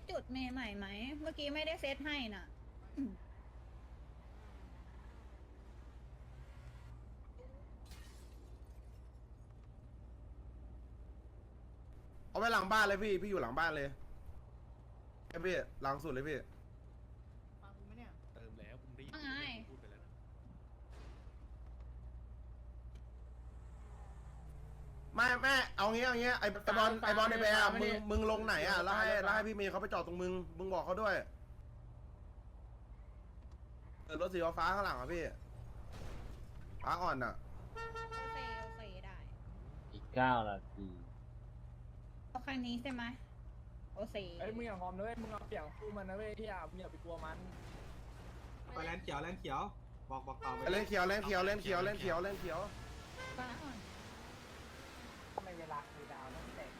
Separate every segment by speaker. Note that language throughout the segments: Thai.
Speaker 1: จุดเมย์ใหม่ไหมเมื่อกี้ไม่ได้เซตให้น่ะ
Speaker 2: เอาไปหลังบ้านเลยพี่อยู่หลังบ้านเลยไอ้พี่หลังสุดเลยพี่
Speaker 3: ฟังกูไหมเนี่ย
Speaker 4: เติมแล้วผมได้ยิน
Speaker 1: ว่าไง
Speaker 4: พูดไปแล้วนะ
Speaker 2: ไม่เอางี้ไอ้บอลไอ้แบร์มึงลงไหนอ่ะแล้วให้พี่เมย์เขาไปจอดตรงมึงบอกเขาด้วยรถสีฟ้าข้างหลังอ่ะพี่ฟ้าอ่อนอ่ะ
Speaker 1: โอเคได้
Speaker 5: อีก9 นาที
Speaker 1: เอาคันนี้ใช่ไหมโอเค
Speaker 3: เอ้ยมึงอย่างหอมนะเว้ยมึงเอาเปรียบคู่มันนะเว้ยที่อ่ะมึงอย่าไปกลัวมัน
Speaker 6: ไปแลนเขียวบอกต่อไป
Speaker 2: เล่นเขียว
Speaker 1: ฟ้าอ่อน
Speaker 3: ทำไมเวลาคือดาวต้องแตก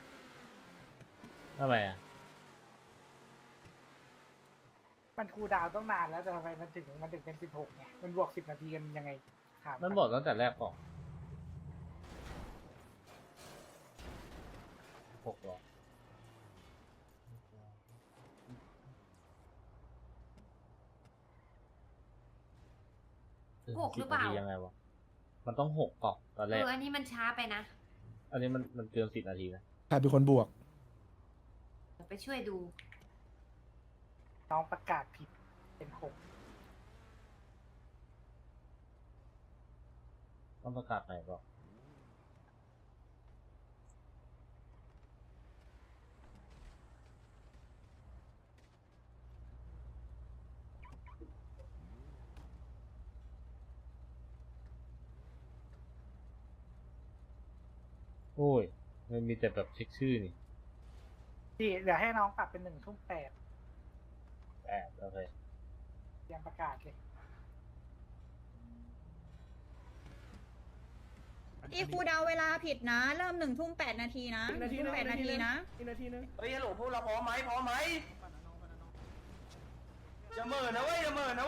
Speaker 5: ทำไมอ่ะ
Speaker 3: มันคูลดาวน์ต้องนานแล้วแต่ทำไมมันถึงเป็น16ไงมันบวก10 นาทีกันยังไงถาม
Speaker 5: มันบอกตั้งแต่แรกก่อน6 หรอ
Speaker 7: 6 หรือเปล่า
Speaker 5: 10 นาทียังไงวะ มันต้อง6ก่อนตอนแรก
Speaker 7: อันนี้มันช้าไปนะ
Speaker 5: อันนี้มันเกิน10 นาทีนะ
Speaker 8: ใครเป็นคนบวก
Speaker 7: เดี๋ยวไปช่วยดู
Speaker 3: น้องประกาศผิดเป็น6
Speaker 5: ต้องประกาศไหนก่อนโอ้ย มันมีแต่แบบเช็คชื่อนี่
Speaker 3: ที่เดี๋ยวให้น้องปรับเป็น1 ทุ่ม
Speaker 5: โอเค
Speaker 3: 8ยังประกาศเลย
Speaker 1: อีครูเดาเวลาผิดนะ เริ่ม1 ทุ่ม 8 นาทีนะ
Speaker 3: อีกนาทีนึง
Speaker 1: 8 นาทีนะ
Speaker 3: อีกนาทีนึง
Speaker 6: เฮ้ยฮัลโหลพวกเราพร้อมไหมอย่าเหม่อนะเว้ย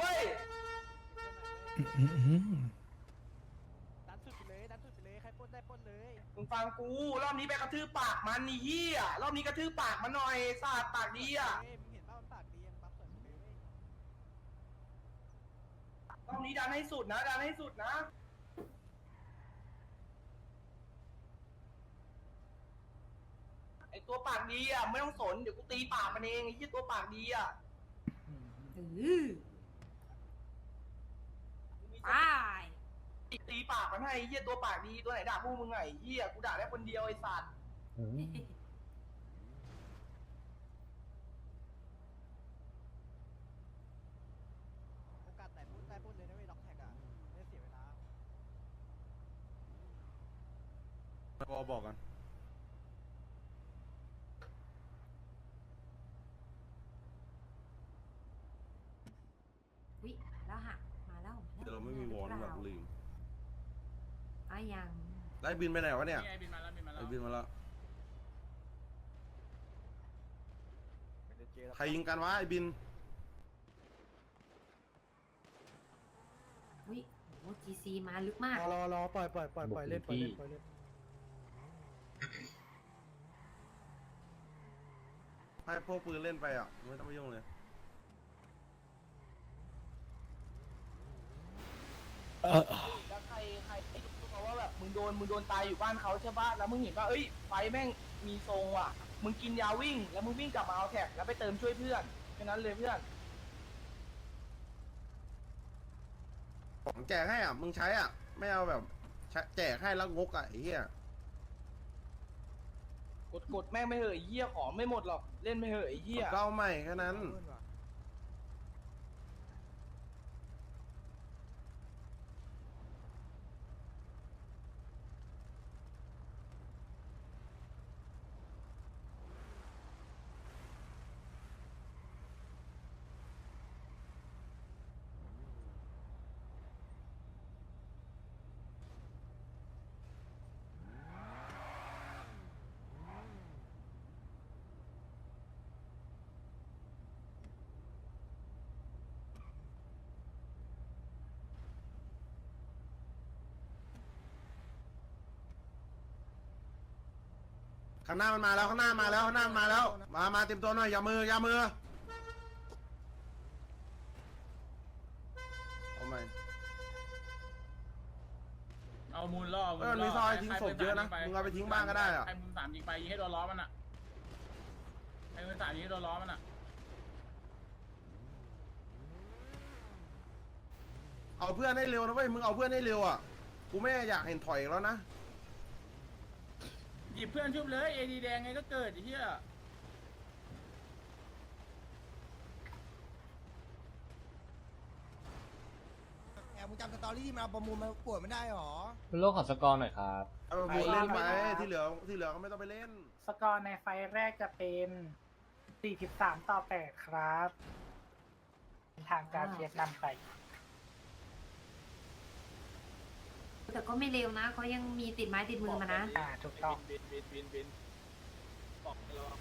Speaker 3: ดันสุดไปเลยใครปล้นได้ปล้นเลย
Speaker 6: มึงฟังกูรอบนี้ไปกระทืบปากมันนี่เหี้ยรอบนี้กระทืบปากมันหน่อยสาดปากดีอ่ะ
Speaker 3: มึงเห็นว่ามันปากดียังปั๊บเปิดเลย
Speaker 6: รอบนี้ดันให้สุดนะไอตัวปากดีอ่ะไม่ต้องสนเดี๋ยวกูตีปากมันเองไอ้ที่ตัวปากดีอ่ะ
Speaker 7: ไป
Speaker 6: ตีปากมันให้ไอ้เหี้ยตัวปากดีตัวไหนด่าพวกมึงไงไอ้เหี้ยกูด่าได้คนเดียวไอ้สัตว์
Speaker 3: โอกาสไหนพูดได้ปล้นเลยนะเว้ยล็อกแท็กอ่ะไม่เสียเวลา
Speaker 2: บอกกัน
Speaker 7: วิแล้วหักมาแล้ว
Speaker 2: เดี๋ยวเราไม่มีวอลนะแบบลืม
Speaker 7: ยัง
Speaker 2: ไล่บินไปไหนวะเนี่ย
Speaker 3: ไอ้บินมาแล้ว
Speaker 2: ไอ้บินมาแล้วใครยิงกันวะไอ้บิน
Speaker 7: วิโอ้จีซีมาลึกมาก
Speaker 8: รอปล่อยเล่น
Speaker 2: ให้พวกปืนเล่นไปอ่ะไม่ต้องไปยุ่งเลย
Speaker 6: แล้วใครรู้มาว่าแบบมึงโดนตายอยู่บ้านเขาใช่ปะแล้วมึงเห็นว่าเอ้ยไฟแม่งมีทรงว่ะมึงกินยาวิ่งแล้วมึงวิ่งกลับมาเอาแท็กแล้วไปเติมช่วยเพื่อนแค่นั้นเลยเพื่อน
Speaker 2: ของแจกให้อ่ะมึงใช้อ่ะไม่เอาแบบแจกให้แล้วงกอ่ะไอ้เหี้ย
Speaker 6: กดแม่งไม่เหอะไอ้เหี้ยของไม่หมดหรอกเล่นไม่เหอะไอ้เหี้ย
Speaker 2: ก็เอาใหม่แค่นั้นข้างหน้ามันมาแล้วข้างหน้ามาแล้วข้างหน้ามันมาแล้วมาเต็มตัวหน่อยอย่ามือเอาไหม
Speaker 4: เอามูลล่อ
Speaker 2: มันมีซอยทิ้งศพเยอะนะมึงเอาไปทิ้งบ้างก็ได้อะ
Speaker 4: ใครมือ3ยิงไปยิงให้โดนล้อมันอ่ะใครมือ3ยิงให้โดนล้อมันอ่ะ
Speaker 2: เอาเพื่อนให้เร็วนะเว้ยมึงเอาเพื่อนให้เร็วอ่ะกูไม่อยากเห็นถอยอีกแล้วนะ
Speaker 4: หยิบเพื่อนชุบเลยเอดีแดงไงก็เกิดไอ้เหี้ย
Speaker 9: มึงจำสตอรี่ที่มาประมูลมาปวดไม่ได้หรอ
Speaker 5: คุณโลกขอสกอร์หน่อยครับ
Speaker 2: เอาไปเล่นไปที่เหลือก็ไม่ต้องไปเล่น
Speaker 3: สกอร์ในไฟล์แรกจะเป็น43-8ครับทางการเชียร์นำไป
Speaker 7: แต่ก็ไม่เร็วนะเขายังมีติดไม้ติดมือมานะ
Speaker 3: ถูกต้อง
Speaker 4: บินบอกให้ระวัง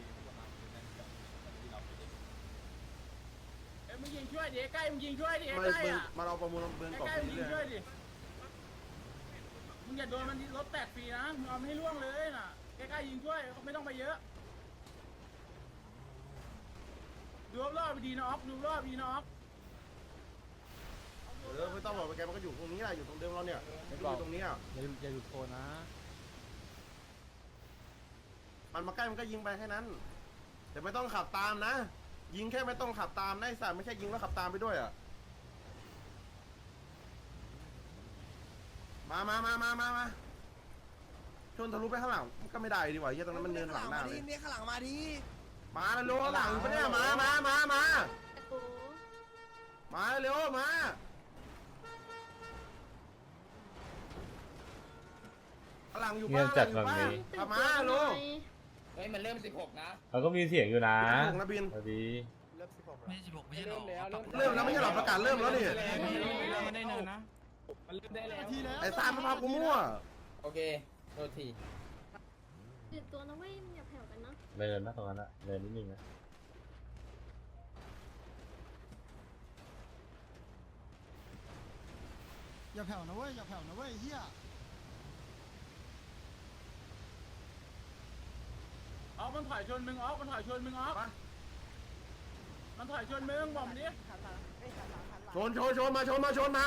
Speaker 4: เอ้ยมึงยิงช่วยดิใกล้มึงยิงช่วยดิ
Speaker 2: ไม่
Speaker 4: ใกล้
Speaker 2: ปืน
Speaker 4: อ่ะ
Speaker 2: มาเอาประมูลปืนกรอบ
Speaker 4: ใกล้มึงยิง
Speaker 2: เรื่
Speaker 4: ช่ว
Speaker 2: อย ย
Speaker 4: ดิมึงอย่าโดนมันรถแตกฟรีนะมึงเอาให้ล่วงเลยน่ะใกล้ๆยิงช่วยไม่ต้องไปเยอะดูรอบๆไปดีนะออฟดูรอบดีนะออฟ
Speaker 2: ไม่ต้องบอกไปแกมันก็อยู่ตรงนี้แหละอยู่ตรงเดิมเราเนี่ยอยู่ตรงนี้อ่ะ
Speaker 8: อย่าหลุดโซนนะ
Speaker 2: มันมาใกล้มันก็ยิงไปแค่นั้นแต่ไม่ต้องขับตามนะ ยิงแค่ไม่ต้องขับตามนะไอ้สัตว์ไม่ใช่ยิงแล้วขับตามไปด้วยอ่ะมาชนทะลุไปข้างหลังก็ไม่ได้ดีกว่าเฮียตรงนั้นมันเนินหลังหน้าเลย
Speaker 9: เนี่ยข้างหลังมาดิ
Speaker 2: มาเร็วหลังปะเนี่ยมาเร็วมาหลังอยู่
Speaker 5: เงี
Speaker 2: ป้าย
Speaker 5: บจัดแบบนี้
Speaker 2: มาลูก
Speaker 6: เฮ้ยมันเริ่ม16นะ
Speaker 5: เราก็มีเสียงอยู่นะ
Speaker 2: ถูกนะบิน
Speaker 5: สวัสดี
Speaker 8: ไม่16ไม่ใช่หรอ
Speaker 2: เริ่มแล้วไม่ใช่หรอประกาศเริ่มแล้วนี่
Speaker 4: มันได้เนินนะมันเริ่มได้แล้ว
Speaker 2: ไอ้ซามพากูมั่ว
Speaker 6: โอเคโทษที
Speaker 10: ตื่นตัวนะเว้ยอย่าแผ่วกันนะ
Speaker 5: เดินนะตรงนั้นอะเดินนิดนึงนะ
Speaker 9: อย่าแผ่วนะเว้ยเฮีย
Speaker 4: ออฟมันถอยชนมึงออฟมันถอยชนมึงออฟมันถอยชนมึงบอกมันดิ
Speaker 2: ชนมาไฟ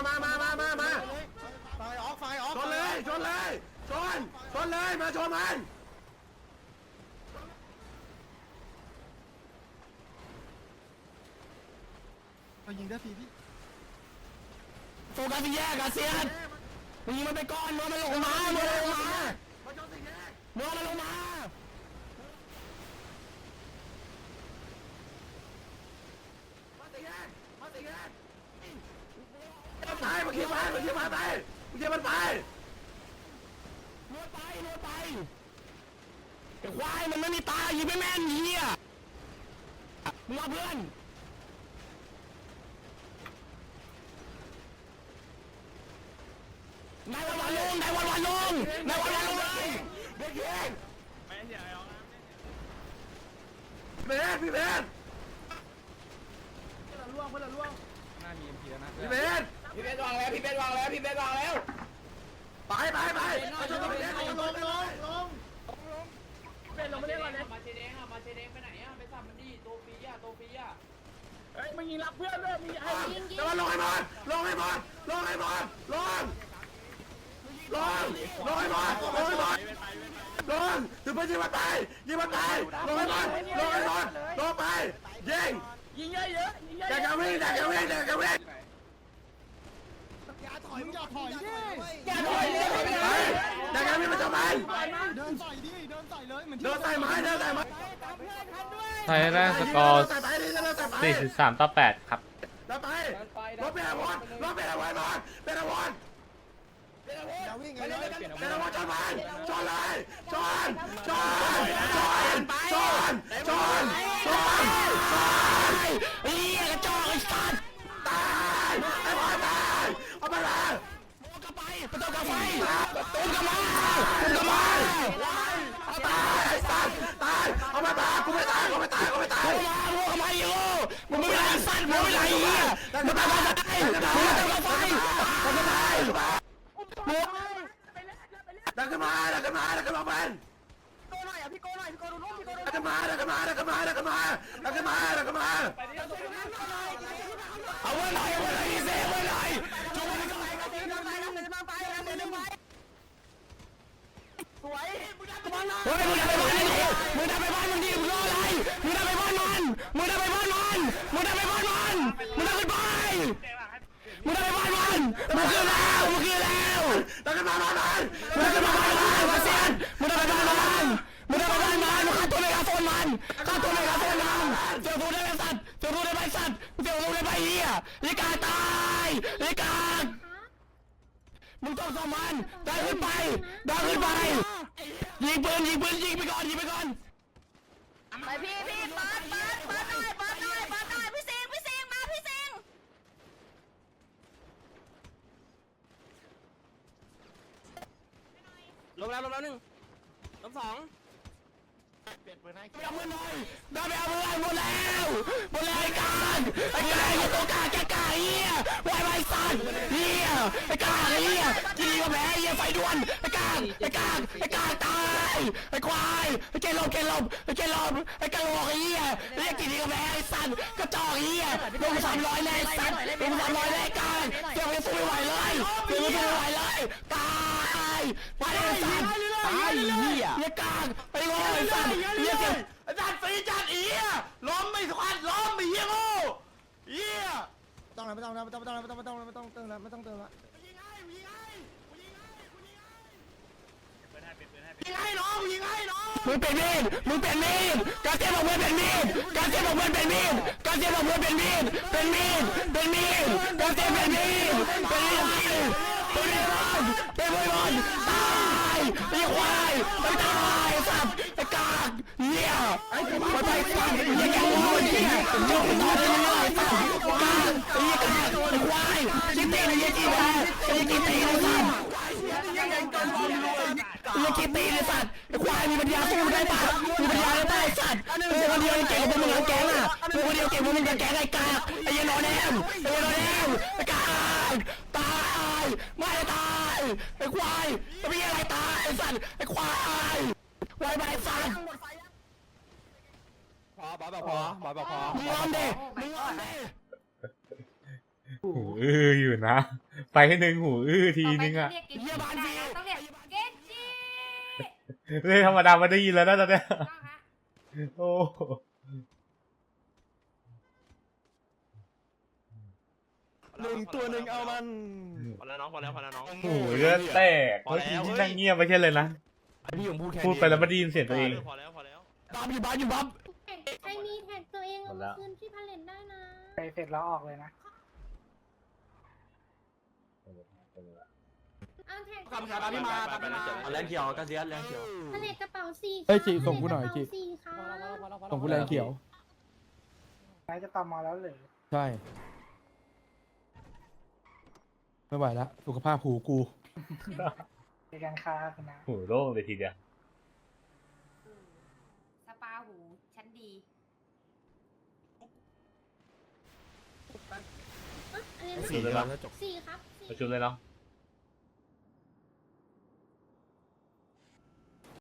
Speaker 2: ออกชนเลยชนเลยมาชนมัน
Speaker 9: ยิงได้ฟรีพี่
Speaker 6: โฟกัสที่แยกอะเซียนมึงยิงมันไปก่อนมึงมันลงมา
Speaker 2: มาชนสี่แยก
Speaker 6: มึงมันลงมา
Speaker 2: ตายมาเคี้ยวมันไปน
Speaker 6: วดไปไอ้ควายมันไม่มีตายิงไม่แม่นเหี้ยมึงเอาเพื่อนนายวันลงเลยเด็กเอง
Speaker 2: พี่เบน
Speaker 4: ล่วงเพื่อนล่วง
Speaker 2: พี่เบน
Speaker 6: พี่เบสวางแล้ว
Speaker 2: ไปมาชนสี่แยกลง
Speaker 4: เป็นลงไม่ได้ก่อนเลย
Speaker 6: มาเชเด้งไปไหนอะไปสับมันดิโตปีอะ
Speaker 4: เฮ้ยมึงยิงรักเพื่อนด้วยมึงไอ้
Speaker 2: แต่ว่าลงให้บอลลงถึงไปยิงมันตายลงให้บอลลงไปยิง
Speaker 4: ยิงเยอะยิงเยอะ
Speaker 2: อย่าวิ่ง
Speaker 9: อย่าถอยดิ
Speaker 2: อย่าถอยมันจะไป
Speaker 9: เดินใส่เลยเหมือน
Speaker 2: เดินใส่ไม้
Speaker 5: ไทยแรกสกอร์
Speaker 2: ใส่ไป
Speaker 5: 43-8 ครับ
Speaker 2: แล้วไปรถเป็นอาวุธเป็นอาวุธ
Speaker 9: อย่าวิ่งเลย
Speaker 2: ชนมันชนเลยชน
Speaker 6: เฮ้ยกระจอกไอ้สัตว์
Speaker 2: ตายไอ้บอลตายเอาไปเลย
Speaker 6: ประตูกระไฟตุ้มกระมา
Speaker 2: ตายไอ้สัตว์ตายเอาไปตายกูไม่ตาย
Speaker 6: มึงกระมาอยู่มึงไม่ไรสัตว์มึงไม่ไรเหี้ยมึงตายมึงกระไฟ
Speaker 2: ดันขึ้นมาเป็น
Speaker 6: พี่โก้หน่อยพี่โก้ดูรูปพี่โก้ดู
Speaker 2: ดักกันมาเอาไว้หน่อยอีเซ่ไว้หน่อยจุ๊บไว้หน่อย
Speaker 6: สวย
Speaker 2: เฮ้ยมึงทำไปบ้านมึงดิมึงรออะไรมึงทำไปบ้านมันมึงทำไปบ้านมันมึงทำไปบ้านมันมึงทำไปบ้านมึงทำไปบ้านมันมึงคือแล้วดักกันมาบ้านมันมึงทำไปบ้านมันมาเซียนมึงทำไปบ้านมันมึงทำไปบ้านมันมึงฆ่าตัวเมกาโฟนมันฆ่าตัวเมกาโฟนมันเจ้าตัวได้ไหมสัตว์เจ้าตัวได้ไหมสัตว์เจ้าตัวได้ไหมเหี้ยลิกาตายลิกามึงต้องส่งมันได้ขึ้นไปยิงปืนยิงไปก่อน
Speaker 6: ไปพี่เปิดหน่อยพี่ซิงมาพี่ซิงลงแล้ว1ล้ม2
Speaker 2: เอามือหน่อยได้ไปเอามือหมดแล้วไอ้การไอ้ตัวกาแกกาเหี้ยวายสัตว์เหี้ยไอ้กาเหี้ยกีก็แพ้เหี้ยไฟด่วนไอ้กาตายไอ้ควายไอ้เกลบไอ้กะโหลกไอ้เหี้ยเรียกกี่ทีก็แพ้ไอ้สัตว์กระจอกเหี้ยลง300แน่สัตว์ลง300แน่การเดี๋ยวไม่สู้ไม่ไหวเลยตายไปไอ้สัตว์ตายเหี้ยกาไอ้โง่ไอ้สัตว์เหี้ยจัดฟรีจัดเหี้ยล้มไม่สควอตล้มไอ้เหี้ยโง่เหี้ย
Speaker 9: ไม่ต้องเติมละ
Speaker 2: ยิงให้น้องมึงเป็นมีดการเจ็บของมึงเป็นมีดการเจ็บของมึงเป็นมีดการเจ็บของมึงเป็นมีดการเจ็บเป็นมีดเป็นบอลตายไอ้ควายไม่ตายสัตว์ไอ้กากเหี้ยมาไปสัตว์ไอ้แกงโง่เหี้ยจบต่อได้เลยสัตว์กากไอ้กากไอ้ควายชิตีนไอ้ยี่แม่ไอ้ยี่ตีนไอ้สัตว์ไอ้ขี้ตีนไอ้สัตว์ไอ้ควายมีปัญญาสู้ได้ปะมีปัญญาได้สัตว์คนเดียวเก่งกว่ามึงทั้งแก๊งอ่ะคนเดียวเก่งกว่ามึงทั้งแก๊งไอ้กากไอ้ยันนอนแอมไอ้กากตายไม่ตายไอ้ควายจะมีอะไรตายไอ้สัตว์ไอ้ควายวายไปสัตว์
Speaker 8: พอบอพอ
Speaker 2: มึงร้อนดิ
Speaker 5: หูอื้ออยู่นะ ไปให้หนึ่งหูอื้อทีนึงอะ
Speaker 7: เรียกเกจิต้องเรียกเกจิ
Speaker 5: เรื่องธรรมดาไม่ได้ยินแล้วนะตอนเนี้ยโอ้
Speaker 8: ตัวหนึ่งเอามัน
Speaker 6: พอแล้วน้อง
Speaker 5: หูเลือดแตกเมื่อกี้ที่นั่งเงียบไม่ใช่เลยนะ
Speaker 8: พี่ผมพูดแค่
Speaker 5: พูดไปแล้วไม่ได้ยินเสียงตัวเอง
Speaker 6: พอแล้ว
Speaker 2: บัฟอยู่บัฟ
Speaker 10: ใครมีแท็กตัวเองเอามาคืนที่พาเลนได้นะ
Speaker 3: ไปเสร็จแล้วออกเลยนะ
Speaker 10: เอาแท็ก
Speaker 6: ขอบคุณครับพี่มา
Speaker 8: แรงเขียวกระเซียนแรงเขียว
Speaker 10: พาเลนกระเป๋า4
Speaker 8: เฮ้ยจีส่งกูหน่อยจี
Speaker 10: 4ค่ะ
Speaker 8: ส่งกูแรงเขียว
Speaker 3: นายจะตามมาแล้วเหรือ
Speaker 8: ใช่ไม่ไหวแล้วสุขภาพหูกู
Speaker 3: ในการค้าคุณนะ
Speaker 5: หูโล่งเลยทีเดียว
Speaker 7: สปาหูชั้นดี
Speaker 10: อันนี้
Speaker 5: ชุดเลยปะ
Speaker 10: 4ครับ
Speaker 5: เอาชุดเลยเนาะ